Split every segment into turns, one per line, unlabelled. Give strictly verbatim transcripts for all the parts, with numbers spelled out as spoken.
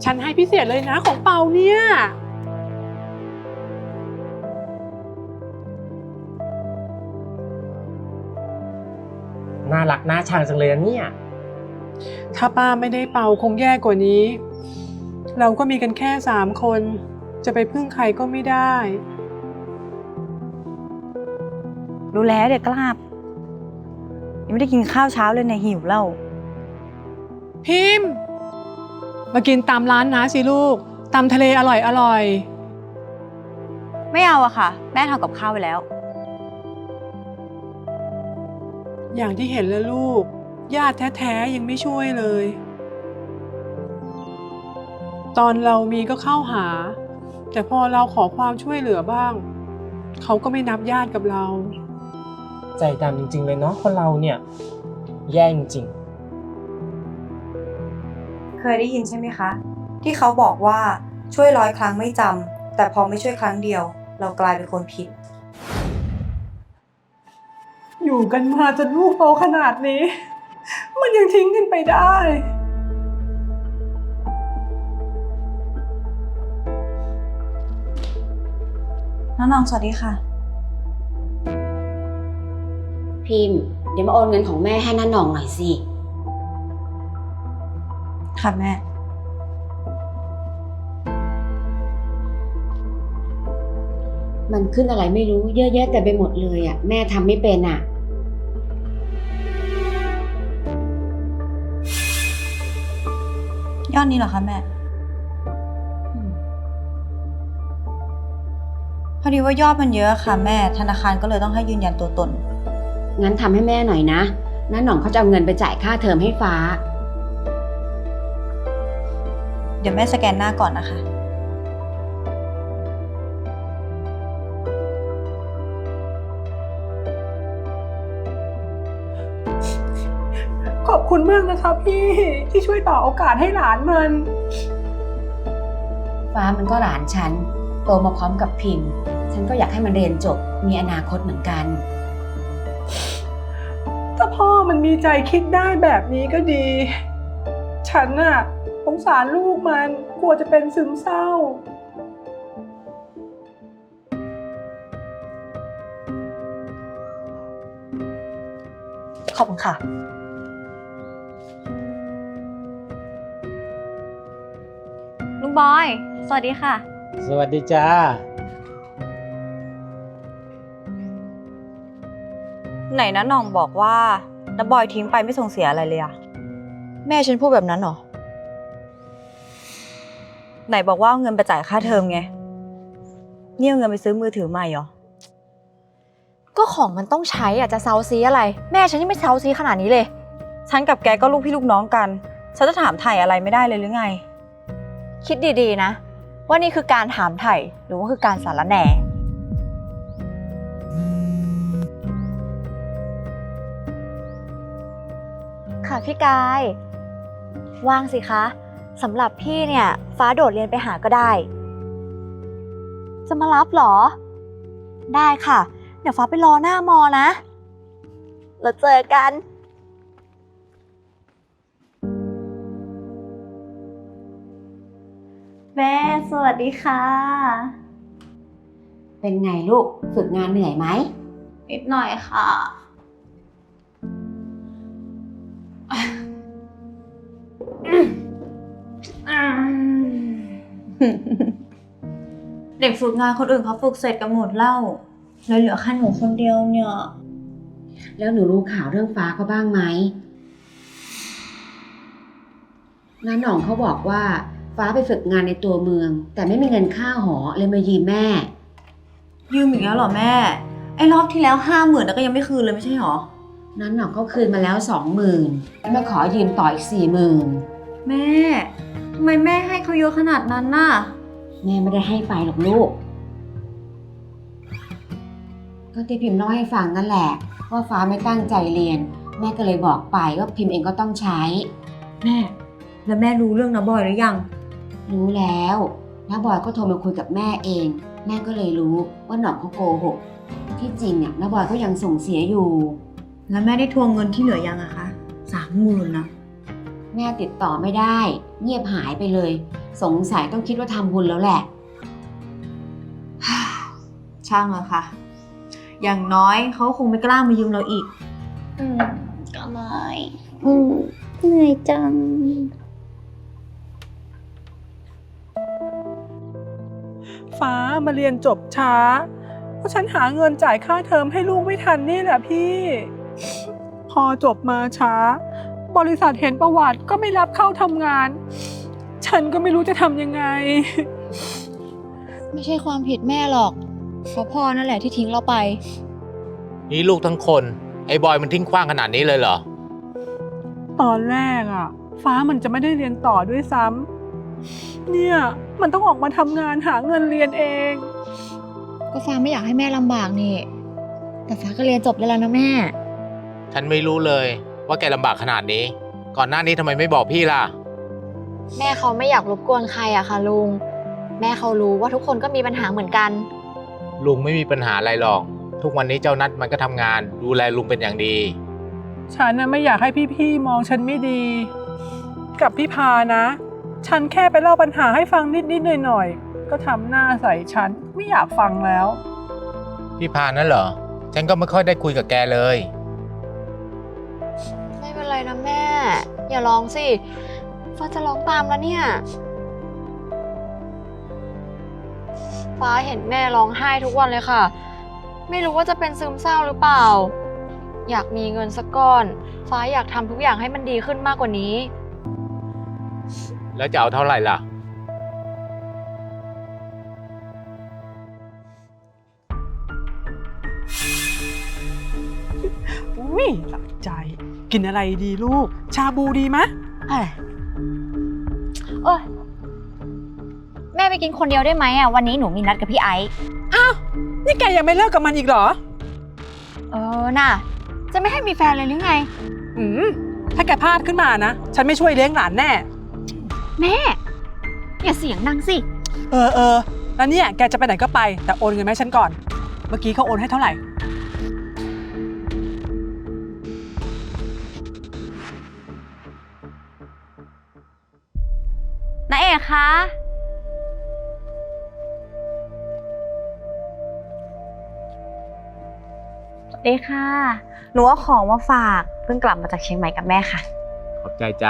ฉันให้พิเศษเลยนะของเปาเนี่ย
น่ารักน่าชังจังเลยนะเนี่ย
ถ้าป้าไม่ได้เปาคงแย่กว่านี้ เราก็มีกันแค่สามคนจะไปพึ่งใครก็ไม่ได้
รู้แล้วเด็กกล้าบยังไม่ได้กินข้าวเช้าเลยนะหิวแล้ว
พิมพ์มากินตามร้านนะสิลูกตำทะเลอร่อยอร่อย
ไม่เอาอะค่ะแม่ทำกับข้าวไปแล้ว
อย่างที่เห็นแล้วลูกญาติแท้ๆยังไม่ช่วยเลย ตอนเรามีก็เข้าหาแต่พอเราขอความช่วยเหลือบ้างเขาก็ไม่นับญาติกับเรา
ใจดำจริงๆเลยเนาะคนเราเนี่ยแย่จริง
เคยได้ยินใช่ไหมคะที่เขาบอกว่าช่วยร้อยครั้งไม่จำแต่พอไม่ช่วยครั้งเดียวเรากลายเป็นคนผิด
อยู่กันมาจนลูกโตขนาดนี้มันยังทิ้งกันไปได้
น้องน้องสวัสดีค่ะ
พิมพ์เดี๋ยวมาโอนเงินของแม่ให้น้าหน่องหน่อยสิ
ค่ะแม่
มันขึ้นอะไรไม่รู้เยอะแยะแต่ไปหมดเลยอ่ะแม่ทำไม่เป็นอ่ะ
ยอดนี้เหรอคะแม่พอดีว่ายอดมันเยอะค่ะแม่ธนาคารก็เลยต้องให้ยืนยันตัวตน
งั้นทำให้แม่หน่อยนะน้าหน่องเขาจะเอาเงินไปจ่ายค่าเทอมให้ฟ้า
เดี๋ยวแม่สแกนหน้าก่อนนะคะ
ขอบคุณมากนะคะพี่ที่ช่วยต่อโอกาสให้หลานมัน
ฟ้ามันก็หลานฉันโตมาพร้อมกับพิมพ์ฉันก็อยากให้มันเรียนจบมีอนาคตเหมือนกัน
ถ้าพ่อมันมีใจคิดได้แบบนี้ก็ดีฉันน่ะสงสารลูกมันกลัวจะเป็นซึมเศร้า
ขอบคุณค่ะ
ลุงบอยสวัสดีค่ะ
สวัสดีจ้า
ไหนนะน้องบอกว่าน้าบอยทิ้งไปไม่ส่งเสียอะไรเลยอะแม่ฉันพูดแบบนั้นเหรอไหนบอกว่าเอาเงินไปจ่ายค่าเทอมไงนี่เอาเงินไปซื้อมือถือใหม่เหรอ
ก็ของมันต้องใช้อะจะเซาซีอะไรแม่ฉันยังไม่เซาซีขนาดนี้เลย
ฉันกับแกก็ลูกพี่ลูกน้องกันฉันจะถามไถ่อะไรไม่ได้เลยหรือไง
คิดดีๆนะว่านี่คือการถามไถ่หรือว่าคือการสารแหน่ค่ะพี่กายว่างสิคะสำหรับพี่เนี่ยฟ้าโดดเรียนไปหาก็ได้จะมารับเหรอได้ค่ะเดี๋ยวฟ้าไปรอหน้ามอนะเราเจอกันแม่สวัสดีค่ะ
เป็นไงลูกฝึกงานเหนื่อยไหม
นิดหน่อยค่ะ
เด็กฝึกงานคนอื่นเขาฝึกเสร็จกันหมดแล้วแล้วเหลือแค่หนูคนเดียวเนี่ย
แล้วหนูรู้ข่าวเรื่องฟ้าเขาบ้างไหมน้าหน่องเขาบอกว่าฟ้าไปฝึกงานในตัวเมืองแต่ไม่มีเงินค่าหอเลยมายืมแม่
ยืมอีกแล้วเหรอแม่ไอ้รอบที่แล้วห้าหมื่นแล้วก็ยังไม่คืนเลยไม่ใช่หรอ
น้าหน่องเขาคืนมาแล้วสองหมื่นมาขอยืมต่ออีกสี่หมื่น
แม่ทำไมแม่ให้เขาเยอะขนาดนั้นน่ะ
แม่ไม่ได้ให้ไปหรอกลูกก็ที่พิมพ์เล่าให้ฟังนั่นแหละว่าฟ้าไม่ตั้งใจเรียนแม่ก็เลยบอกไปว่าพิมพ์เองก็ต้องใช้
แม่แล้วแม่รู้เรื่องน้าบอยหรือยัง
รู้แล้วน้าบอยก็โทรมาคุยกับแม่เองแม่ก็เลยรู้ว่าหน่องเขาโกหกที่จริงเนี่ยน้าบอยก็ยังส่งเสียอยู่
แล้วแม่ได้ทวงเงินที่เหลือยังอะคะสามหมื่นนะ
แม่ติดต่อไม่ได้เงียบหายไปเลยสงสัยต้องคิดว่าทำบุญแล้วแหละ
ช่างเลยค่ะ อย่างน้อยเขาคงไม่กล้ามายืมเราอีก
อืมก็ไม่อืมเหนื่อยจัง
ฟ้ามาเรียนจบช้า เพราะฉันหาเงินจ่ายค่าเทอมให้ลูกไม่ทันนี่แหละพี่ พอจบมาช้า บริษัทเห็นประวัติก็ไม่รับเข้าทำงาน ฉันก็ไม่รู้จะทำยังไง
ไม่ใช่ความผิดแม่หรอกเพราะพ่อนั่นแหละที่ทิ้งเราไป
นี่ลูกทั้งคน ไอ้บอยมันทิ้งขว้างขนาดนี้เลยเหรอ
ตอนแรกอะฟ้ามันจะไม่ได้เรียนต่อด้วยซ้ำเนี่ยมันต้องออกมาทำงานหาเงินเรียนเอง
ก็ฟ้าไม่อยากให้แม่ลำบากนี่ แต่ฟ้าก็เรียนจบได้แล้วนะแม่
ฉันไม่รู้เลยว่าแกลำบากขนาดนี้ ก่อนหน้านี้ทำไมไม่บอกพี่ล่ะ
แม่เขาไม่อยากรบกวนใครอะค่ะลุง แม่เขารู้ว่าทุกคนก็มีปัญหาเหมือนกัน
ลุงไม่มีปัญหาอะไรหรอก ทุกวันนี้เจ้านัดมันก็ทำงาน ดูแลลุงเป็นอย่างดี
ฉันน่ะไม่อยากให้พี่ๆมองฉันไม่ดี กับพี่พานะ ฉันแค่ไปเล่าปัญหาให้ฟังนิดๆหน่อยๆก็ทำหน้าใส่ฉันไม่อยากฟังแล้ว
พี่พานั่นเหรอ ฉันก็ไม่ค่อยได้คุยกับแกเลย
ไม่เป็นไรนะแม่ อย่าร้องสิฟ้าจะร้องตามแล้วเนี่ย ฟ้าเห็นแม่ร้องไห้ทุกวันเลยค่ะ ไม่รู้ว่าจะเป็นซึมเศร้าหรือเปล่า อยากมีเงินสักก้อน ฟ้าอยากทำทุกอย่างให้มันดีขึ้นมากกว่านี้
แล้วจะเอาเท่าไหร่ล่ะ
อุ้ยหลับใจ กินอะไรดีลูก ชาบูดีมะ
เอ้ยเอ้ยแม่ไปกินคนเดียวได้ไหมอ่ะ วันนี้หนูมีนัดกับพี่ไอซ์
อ้าว นี่แกยังไม่เลิกกับมันอีกเหรอ
เออน่ะ จะไม่ให้มีแฟนเลยหรือไง
อืม ถ้าแกพลาดขึ้นมานะ ฉันไม่ช่วยเลี้ยงหลานแน่
แม่ อย่าเสียงดังสิ
เออเออ แล้วเนี่ยแกจะไปไหนก็ไป แต่โอนเงินมาให้ฉันก่อน เมื่อกี้เขาโอนให้เท่าไหร่
น้าเอกคะ สวัสดีค่ะ หนูเอาของมาฝาก เพิ่งกลับมาจากเชียงใหม่กับแม่ค่ะ
ขอบใจจ้ะ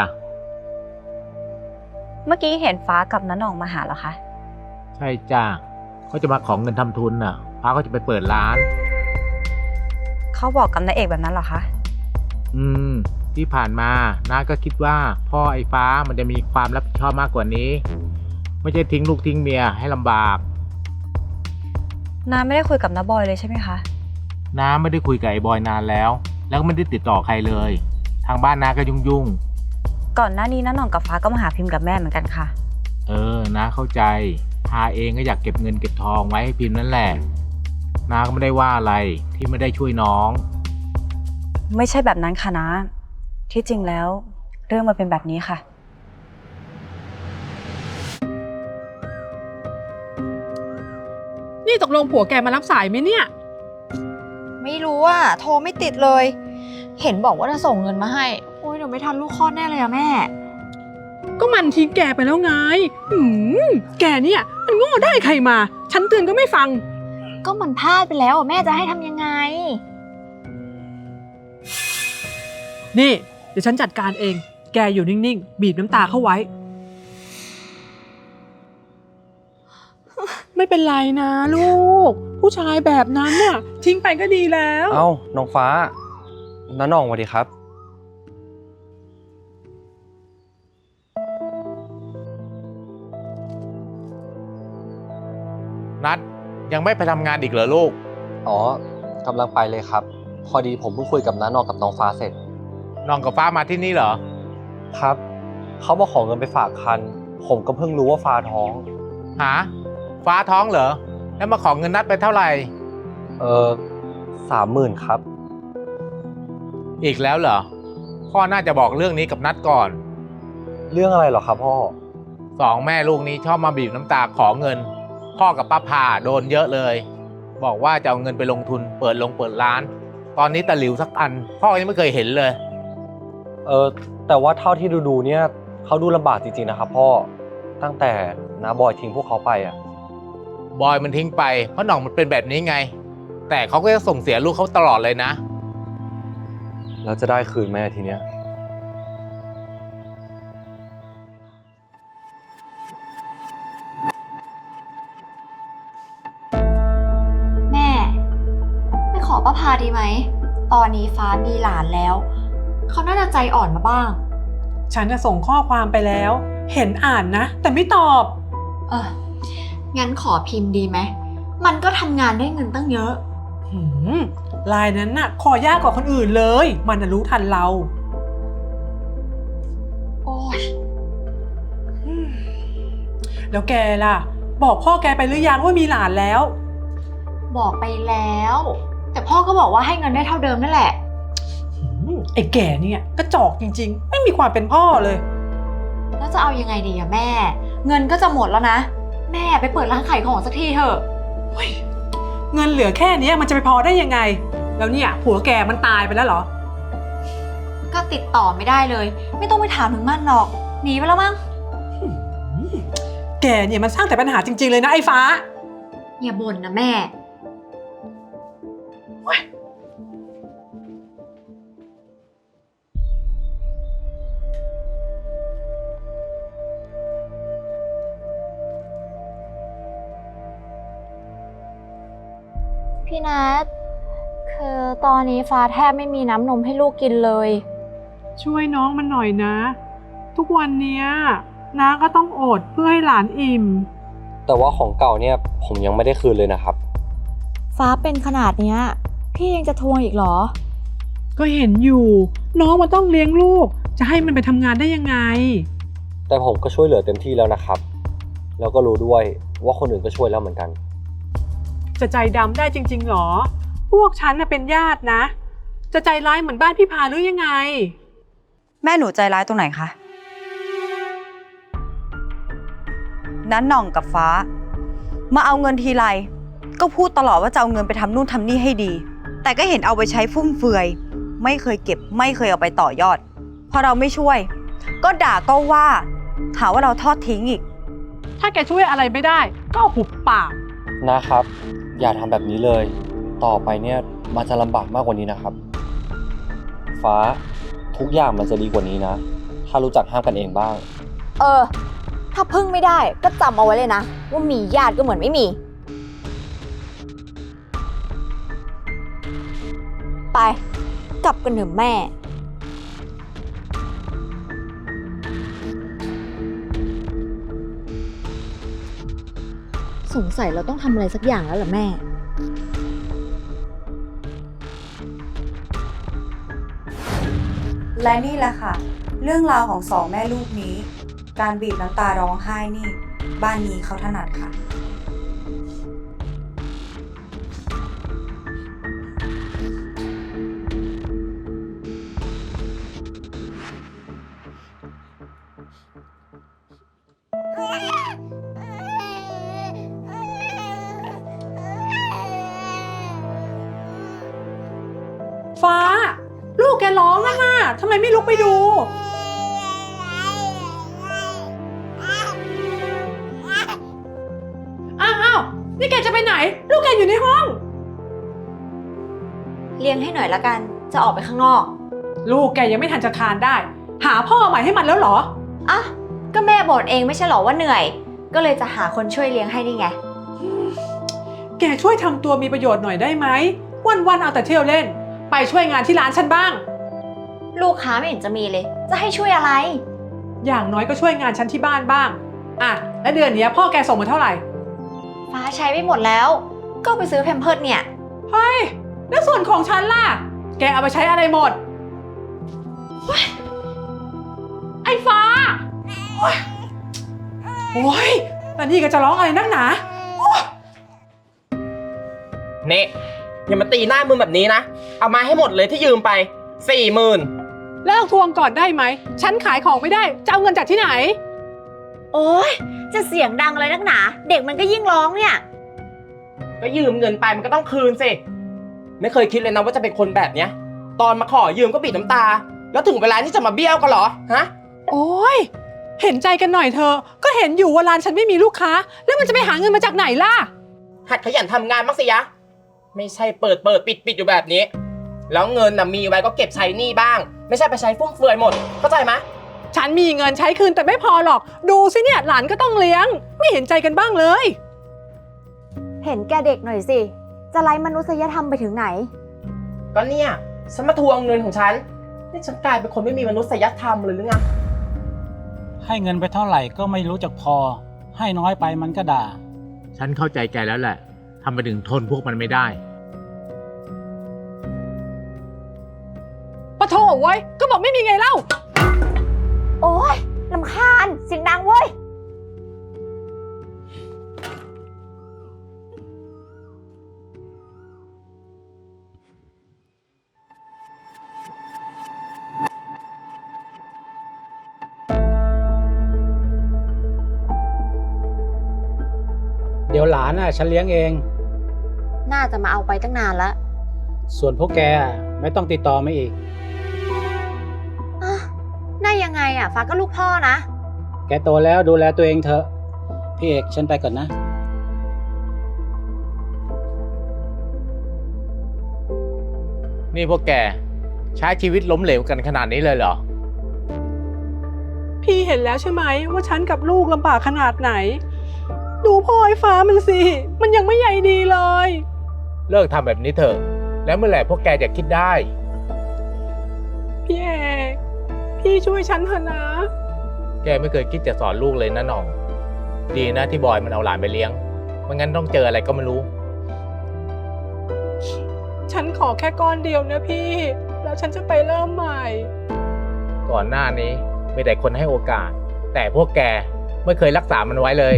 เมื่อกี้เห็นฟ้ากับน้าหน่องมาหาเหรอคะ
ใช่จ้ะเขาจะมาของเงินทำทุนน่ะพาเขาจะไปเปิดร้าน
เขาบอกกับนายเอกแบบนั้นเหรอคะ
อืม ที่ผ่านมาน้าก็คิดว่าพ่อไอ้ฟ้ามันจะมีความรับผิดชอบมากกว่านี้ ไม่ใช่ทิ้งลูกทิ้งเมียให้ลำบาก
น้าไม่ได้คุยกับน้าบอยเลยใช่ไหมคะ
น้าไม่ได้คุยกับไอ้บอยนานแล้ว แล้วก็ไม่ได้ติดต่อใครเลย ทางบ้านน้าก็ยุ่ง
ก่อนหน้านี้น้าหน่องกับฟ้าก็มาหาพิมพ์กับแม่เหมือนกันค่ะ
ๆ เออน้าเข้าใจพาเองก็อยากเก็บเงินเก็บทองไว้ให้พิมพ์นั่นแหละน้าก็ไม่ได้ว่าอะไรที่ไม่ได้ช่วยน้อง
ไม่ใช่แบบนั้นค่ะน้า ที่จริงแล้ว เรื่องมันเป็นแบบนี้ค่ะ
นี่ตกลงผัวแกมารับสายไหมเนี่ย
ไม่รู้อ่ะ โทรไม่ติดเลย เห็นบอกว่าจะส่งเงินมาให้ โอ้ยเดี๋ยวไม่ทันลูกคลอดแน่เลยอะแม่
ก็มันทิ้งแกไปแล้วไงหืมแกเนี่ยมันโง่ได้ใครมา ฉันเตือนก็ไม่ฟัง
ก็มันพลาดไปแล้วอะแม่จะให้ทำยังไง
นี่ เดี๋ยวฉันจัดการเอง แกอยู่นิ่งๆ บีบน้ำตาเข้าไว้ ไม่เป็นไรนะลูก ผู้ชายแบบนั้นน่ะ ทิ้งไปก็ดีแล้ว
เอ้า น้องฟ้า น้าหน่องสวัสดีครับ
นัดยังไม่ไปทำงานอีกเหรอลูก
อ๋อกำลังไปเลยครับ พอดีผมเพิ่งคุยกับน้าหน่องกับน้องฟ้าเสร็จ
น้องกับฟ้ามาที่นี่เหรอ
ครับ เขามาขอเงินไปฝากคัน ผมก็เพิ่งรู้ว่าฟ้าท้อง
หา ฟ้าท้องเหรอ แล้วมาขอเงินนัดไปเท่าไหร่
เออสามหมื่นครับ
อีกแล้วเหรอ พ่อน่าจะบอกเรื่องนี้กับนัดก่อน
เรื่องอะไรเหรอครับพ่อ
สองแม่ลูกนี้ชอบมาบีบน้ำตาขอเงิน พ่อกับป้าพาโดนเยอะเลย บอกว่าจะเอาเงินไปลงทุนเปิดลงเปิดร้าน ตอนนี้ตะหลิวสักอัน พ่อยังไม่เคยเห็นเลย
เออแต่ว่าเท่าที่ดูๆเนี่ยเขาดูลำบากจริงๆนะครับพ่อตั้งแต่น้าบอยทิ้งพวกเขาไปอ่ะ
บอยมันทิ้งไปเพราะหน่องมันเป็นแบบนี้ไง แต่เขาก็จะส่งเสียลูกเขาตลอดเลยนะ
แล้วจะได้คืนไหมทีเนี้ย
แม่ ไม่ขอป้าพาดีไหม ตอนนี้ฟ้ามีหลานแล้ว เขาน่าจะใจอ่อนมาบ้าง
ฉันจะส่งข้อความไปแล้ว เห็นอ่านนะ แต่ไม่ตอบ
เออ งั้นขอพิมพ์ดีไหม มันก็ทำงานได้เงินตั้งเยอะ
หืมลายนั้นน่ะขอยากกว่าคนอื่นเลย มันน่ะรู้ทันเรา
โอ้ย
อืมแล้วแกล่ะ บอกพ่อแกไปหรือยังว่ามีหลานแล้ว
บอกไปแล้ว แต่พ่อก็บอกว่าให้เงินได้เท่าเดิมนั่นแหละ
หืมไอ้แก่เนี่ยกระจอกจริงๆ ไม่มีความเป็นพ่อเลย
แล้วจะเอายังไงดีอะแม่ เงินก็จะหมดแล้วนะ แม่ไปเปิดร้านขายของสักทีเถอะ
เฮ้ยเงินเหลือแค่เนี้ยมันจะไปพอได้ยังไง แล้วเนี่ยผัวแกมันตายไปแล้วเหรอ
ก็ติดต่อไม่ได้เลย ไม่ต้องไปถามถึงมันหรอก หนีไปแล้วมั้ง
แกเนี่ยมันสร้างแต่ปัญหาจริงๆเลยนะไอ้ฟ้า
อย่าบ่นนะแม่
พี่นัทคือตอนนี้ฟ้าแทบไม่มีน้ำนมให้ลูกกินเลย
ช่วยน้องมันหน่อยนะ ทุกวันเนี้ยน้าก็ต้องอดเพื่อให้หลานอิ่ม
แต่ว่าของเก่าเนี่ยผมยังไม่ได้คืนเลยนะครับ
ฟ้าเป็นขนาดเนี้ยพี่ยังจะทวงอีกเหรอ
ก็เห็นอยู่ น้องมันต้องเลี้ยงลูก จะให้มันไปทำงานได้ยังไง
แต่ผมก็ช่วยเหลือเต็มที่แล้วนะครับ แล้วก็รู้ด้วยว่าคนอื่นก็ช่วยแล้วเหมือนกัน
จะใจดำได้จริงๆหรอ พวกฉันน่ะเป็นญาตินะ จะใจร้ายเหมือนบ้านพี่พาหรือยังไง
แม่หนูใจร้ายตรงไหนคะ นั้นหน่องกับฟ้า มาเอาเงินทีไรก็พูดตลอดว่าจะเอาเงินไปทำนู่นทำนี่ให้ดี แต่ก็เห็นเอาไปใช้ฟุ่มเฟือย ไม่เคยเก็บไม่เคยเอาไปต่อยอด พอเราไม่ช่วย ก็ด่าก็ว่าหาว่าเราทอดทิ้งอีก
ถ้าแกช่วยอะไรไม่ได้ ก็เอาหุบปาก
นะครับ อย่าทำแบบนี้เลย ต่อไปเนี่ยมันจะลำบากมากกว่านี้นะครับ ฟ้าทุกอย่างมันจะดีกว่านี้นะ ถ้ารู้จักห้ามกันเองบ้าง
เออ ถ้าพึ่งไม่ได้ก็จำเอาไว้เลยนะ ว่ามีญาติก็เหมือนไม่มี ไป กลับกันเถอะแม่ สงสัยเราต้องทำอะไรสักอย่างแล้วล่ะแม่
และนี่แหละค่ะ เรื่องราวของสองแม่ลูกนี้ การบีบน้ำตาร้องไห้นี่ บ้านนี้เขาถนัดค่ะ
ฟ้า ลูกแกร้องแล้วนะทำไมไม่ลุกไปดู อ้าวอ้าวนี่แกจะไปไหน ลูกแกอยู่ในห้อง
เลี้ยงให้หน่อยละกัน จะออกไปข้างนอก
ลูกแกยังไม่ทันจะคลานได้ หาพ่อใหม่ให้มันแล้วเหรอ
อ่ะ ก็แม่บ่นเองไม่ใช่หรอว่าเหนื่อย ก็เลยจะหาคนช่วยเลี้ยงให้นี่ไง
แกช่วยทำตัวมีประโยชน์หน่อยได้ไหม วันๆเอาแต่เที่ยวเล่น ไปช่วยงานที่ร้านฉันบ้าง
ลูกค้าไม่เห็นจะมีเลย จะให้ช่วยอะไร
อย่างน้อยก็ช่วยงานฉันที่บ้านบ้าง อ่ะ แล้วเดือนนี้พ่อแกส่งมาเท่าไหร่
ฟ้าใช้ไปหมดแล้ว ก็ไปซื้อแพมเพิร์สเนี่ย
เฮ้ย แล้วส่วนของฉันล่ะ แกเอาไปใช้อะไรหมดเฮ้ยไอ้ฟ้า โอ๊ยโอ้ยแล้วนี่ก็จะร้องอะไรนักหนา
เน่อย่ามาตีหน้ามึงแบบนี้นะ เอามาให้หมดเลยที่ยืมไปสี่หมื่น
เลิกทวงก่อนได้ไหม ฉันขายของไม่ได้ จะเอาเงินจากที่ไหน
โอ๊ย จะเสียงดังอะไรนักหนา เด็กมันก็ยิ่งร้องเนี่ย
ก็ยืมเงินไปมันก็ต้องคืนสิ ไม่เคยคิดเลยนะว่าจะเป็นคนแบบเนี้ย ตอนมาขอยืมก็บีบน้ำตา แล้วถึงเวลาที่จะมาเบี้ยวกันเหรอ ฮะ
โอ้ยเห็นใจกันหน่อยเธอะก็เห็นอยู่ว่าร้านฉันไม่มีลูกค้า แล้วมันจะไปหาเงินมาจากไหนล่ะ
หัดขยันทำงานบ้างสิยะ ไม่ใช่เปิดเปิดปิดปิดอยู่แบบนี้ แล้วเงินน่ะมีไว้ก็เก็บใช้หนี้บ้าง ไม่ใช่ไปใช้ฟุ่มเฟือยหมด เข้าใจไหม
ฉันมีเงินใช้คืนแต่ไม่พอหรอก ดูสิเนี่ยหลานก็ต้องเลี้ยง ไม่เห็นใจกันบ้างเลย
เห็นแกเด็กหน่อยสิ จะไร้มนุษยธรรมไปถึงไหน
ก็เนี่ยฉันมาทวงเงินของฉัน นี่ฉันกลายเป็นคนไม่มีมนุษยธรรมเลยหรือไง
ให้เงินไปเท่าไหร่ก็ไม่รู้จักพอ ให้น้อยไปมันก็ด่า
ฉันเข้าใจแกแล้วแหละทำไมถึงทนพวกมันไม่ได้
ปะโถเว้ย ก็บอกไม่มีไงเล่า
โอ๊ยลำคาญเสียงดังเว้ย
เดี๋ยวหลานน่ะฉันเลี้ยงเอง
น่าจะมาเอาไปตั้งนานแล้ว
ส่วนพวกแกอ่ะไม่ต้องติดต่อมาอีก
อ่ะน่ายังไงอ่ะ ฟ้าก็ลูกพ่อนะ
แกโตแล้วดูแลตัวเองเถอะ พี่เอกฉันไปก่อนนะ
นี่พวกแกใช้ชีวิตล้มเหลวกันขนาดนี้เลยเหรอ
พี่เห็นแล้วใช่ไหมว่าฉันกับลูกลำบากขนาดไหน ดูพ่อไอ้ฟ้ามันสิ มันยังไม่ใหญ่ดีเลย
เลิกทำแบบนี้เถอะ แล้วเมื่อไหร่พวกแกจะคิดได้
พี่เอก พี่ช่วยฉันเถอะนะ
แกไม่เคยคิดจะสอนลูกเลยนะหน่อง ดีนะที่บอยมันเอาหลานไปเลี้ยงไม่งั้นต้องเจออะไรก็ไม่รู้
ฉันขอแค่ก้อนเดียวนะพี่ แล้วฉันจะไปเริ่มใหม่
ก่อนหน้านี้มีแต่คนให้โอกาส แต่พวกแกไม่เคยรักษามันไว้เลย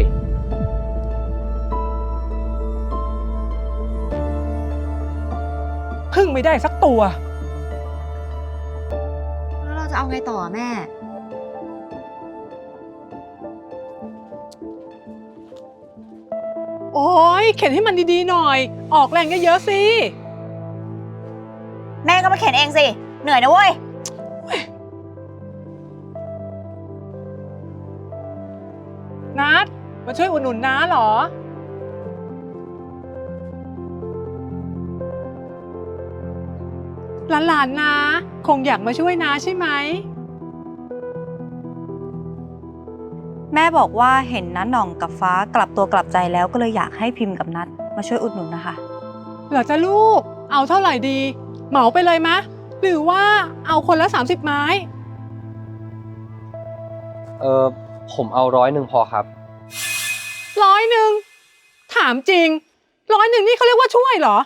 พึ่งไม่ได้สักตัว
แล้วเราจะเอาไงต่อแม่
โอ้ยเข็นให้มันดีๆหน่อย ออกแรงเยอะๆสิ
แม่ก็มาเข็นเองสิ เหนื่อยนะเว้ย
นัดมาช่วยอุดหนุนน้าเหรอ หลานๆนะคงอยากมาช่วยน้าใช่ไหม
แม่บอกว่าเห็นน้าหน่องกับฟ้ากลับตัวกลับใจแล้วก็เลยอยากให้พิมพ์กับนัดมาช่วยอุดหนุนนะคะ
เหรอจ๊ะลูก เอาเท่าไหร่ดี เหมาไปเลยมะ หรือว่าเอาคนละสามสิบไม้
เออผมเอาร้อยหนึ่งพอครับ
ร้อยหนึ่ง ถามจริง ร้อยหนึ่งนี่เขาเรียกว่าช่วยเหรอ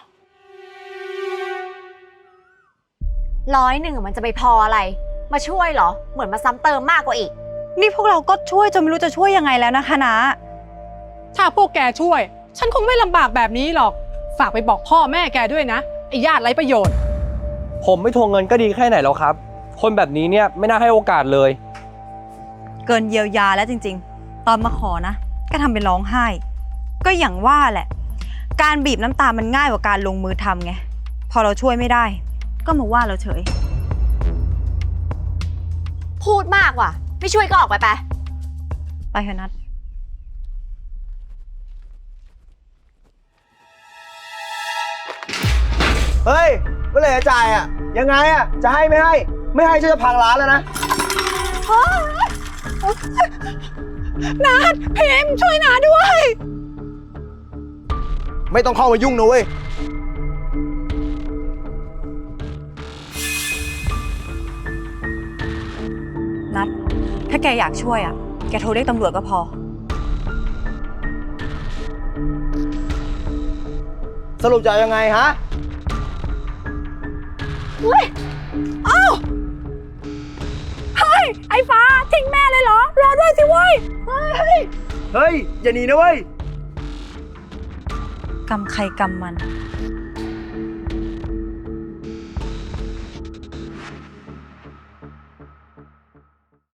ร้อยหนึ่งมันจะไปพออะไร มาช่วยเหรอ เหมือนมาซ้ำเติมมากกว่าอีก
นี่พวกเราก็ช่วยจนไม่รู้จะช่วยยังไงแล้วนะคะนะ
ถ้าพวกแกช่วย ฉันคงไม่ลำบากแบบนี้หรอก ฝากไปบอกพ่อแม่แกด้วยนะ ไอ้ญาติไร้ประโยชน์
ผมไม่ทวงเงินก็ดีแค่ไหนแล้วครับ คนแบบนี้เนี่ยไม่น่าให้โอกาสเลย
เกินเยียวยาแล้วจริงๆ ตอนมาขอนะ ก็ทำเป็นร้องไห้ ก็อย่างว่าแหละ การบีบน้ำตามันง่ายกว่าการลงมือทำไง พอเราช่วยไม่ได้ ก็มาว่าเราเฉย
พูดมากว่ะ ไม่ช่วยก็ออกไปไป
ไปเถอะนัด
เฮ้ยเมื่อไหร่จะจ่ายอ่ะ ยังไงอ่ะ จะให้ไม่ให้ ไม่ให้ฉันจะพังร้านแล้วนะ
นัดพิมพ์ช่วยนาด้วย
ไม่ต้องเข้ามายุ่งนะเว้ย
นัด ถ้าแกอยากช่วยอ่ะ แกโทรเรียกตำรวจก็พอ
สรุปจะยังไงฮะ
ไอ้ฟ้าทิ้งแม่เลยเหรอ รอด้วยสิเว้ย เฮ้ย
เฮ้ย อย่าหนีนะเว้ย
กรรมใครกรรมมัน